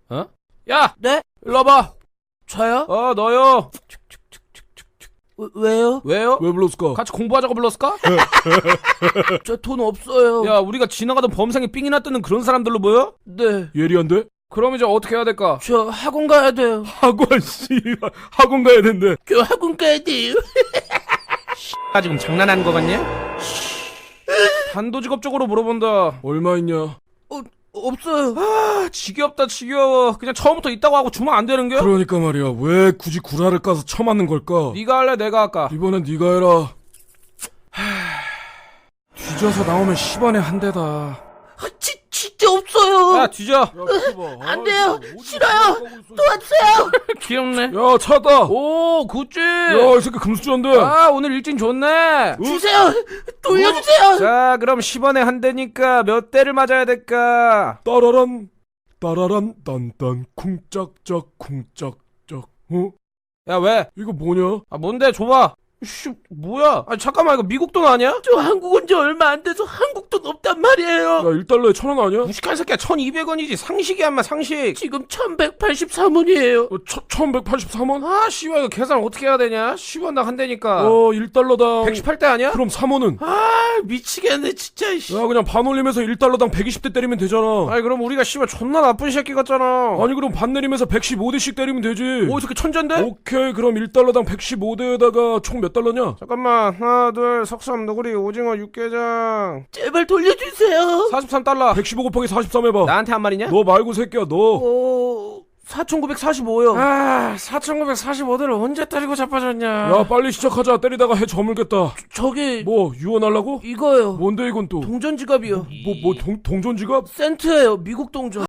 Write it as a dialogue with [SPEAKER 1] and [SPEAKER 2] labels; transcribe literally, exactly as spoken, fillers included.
[SPEAKER 1] 어? 야!
[SPEAKER 2] 네?
[SPEAKER 1] 일로 와봐.
[SPEAKER 2] 저요?
[SPEAKER 1] 어, 너요.
[SPEAKER 2] 왜, 왜요?
[SPEAKER 1] 왜요?
[SPEAKER 3] 왜 불렀을까?
[SPEAKER 1] 같이 공부하자고 불렀을까?
[SPEAKER 2] 저 돈 없어요.
[SPEAKER 1] 야, 우리가 지나가던 범상에 삥이나 뜨는 그런 사람들로 보여?
[SPEAKER 2] 네.
[SPEAKER 3] 예리한데?
[SPEAKER 1] 그럼 이제 어떻게 해야 될까?
[SPEAKER 2] 저 학원 가야 돼요.
[SPEAKER 3] 학원 씨 학원 가야 된대.
[SPEAKER 2] 저 학원 가야 돼요.
[SPEAKER 1] 아, 지금 장난하는 거 같냐? 단도직업적으로 물어본다.
[SPEAKER 3] 얼마 있냐?
[SPEAKER 2] 어, 없어요.
[SPEAKER 1] 아, 지겹다, 지겨워. 그냥 처음부터 있다고 하고 주면 안 되는 겨?
[SPEAKER 3] 그러니까 말이야. 왜 굳이 구라를 까서 쳐맞는 걸까?
[SPEAKER 1] 네가 할래, 내가 할까?
[SPEAKER 3] 이번엔 네가 해라.
[SPEAKER 1] 뒤져서 나오면 십 원에 한 대다.
[SPEAKER 2] 아, 지, 진짜 없어요.
[SPEAKER 1] 야, 뒤져.
[SPEAKER 2] 안 돼요. 싫어요. 도와주세요.
[SPEAKER 1] 귀엽네.
[SPEAKER 3] 야, 찾았다.
[SPEAKER 1] 오, 굿즈.
[SPEAKER 3] 야, 이 새끼 금수저인데.
[SPEAKER 1] 아, 오늘 일진 좋네.
[SPEAKER 2] 주세요. 돌려주세요.
[SPEAKER 1] 자, 그럼 십 원에 한 대니까 몇 대를 맞아야 될까?
[SPEAKER 3] 따라란 따라란 딴딴 쿵짝짝 쿵짝짝. 어?
[SPEAKER 1] 야, 왜?
[SPEAKER 3] 이거 뭐냐?
[SPEAKER 1] 아, 뭔데? 줘봐. 씨, 뭐야? 아니, 잠깐만, 이거 미국 돈 아니야?
[SPEAKER 2] 저 한국 온 지 얼마 안 돼서 한국 돈 없단 말이에요.
[SPEAKER 3] 야, 일 달러에 천 원 아니야?
[SPEAKER 1] 무식한 새끼야, 천이백 원이지. 상식이야, 인마, 상식.
[SPEAKER 2] 지금 천백팔십삼 원이에요.
[SPEAKER 3] 어, 천백팔십삼 원?
[SPEAKER 1] 아, 씨발, 이거 계산 어떻게 해야 되냐? 십 원당 한 대니까.
[SPEAKER 3] 어, 일 달러당
[SPEAKER 1] 백십팔 대 아니야?
[SPEAKER 3] 그럼 삼 원은?
[SPEAKER 2] 아, 미치겠네 진짜. 이씨.
[SPEAKER 3] 야, 그냥 반 올리면서 일 달러당 백이십 대 때리면 되잖아.
[SPEAKER 1] 아니, 그럼 우리가 씨발 존나 나쁜 새끼 같잖아.
[SPEAKER 3] 아니, 그럼 반 내리면서 백십오 대씩 때리면 되지.
[SPEAKER 1] 오, 이 새끼 천재인데?
[SPEAKER 3] 오케이, 그럼 일 달러당 백십오 대에다가 총 몇 달러냐?
[SPEAKER 1] 잠깐만, 하나, 둘, 석삼, 너구리, 오징어, 육개장.
[SPEAKER 2] 제발 돌려주세요.
[SPEAKER 1] 사십삼 달러.
[SPEAKER 3] 백십오 곱하기 사십삼 해봐.
[SPEAKER 1] 나한테 한 말이냐?
[SPEAKER 3] 너 말고 새끼야, 너.
[SPEAKER 2] 어, 사천구백사십오요.
[SPEAKER 1] 아, 사천구백사십오 대를 언제 때리고 자빠졌냐?
[SPEAKER 3] 야, 빨리 시작하자. 때리다가 해 저물겠다.
[SPEAKER 2] 저기
[SPEAKER 3] 뭐 유언하려고?
[SPEAKER 2] 이거요.
[SPEAKER 3] 뭔데 이건 또?
[SPEAKER 2] 동전 지갑이요.
[SPEAKER 3] 뭐, 뭐 동, 동전 지갑?
[SPEAKER 2] 센트예요. 미국 동전.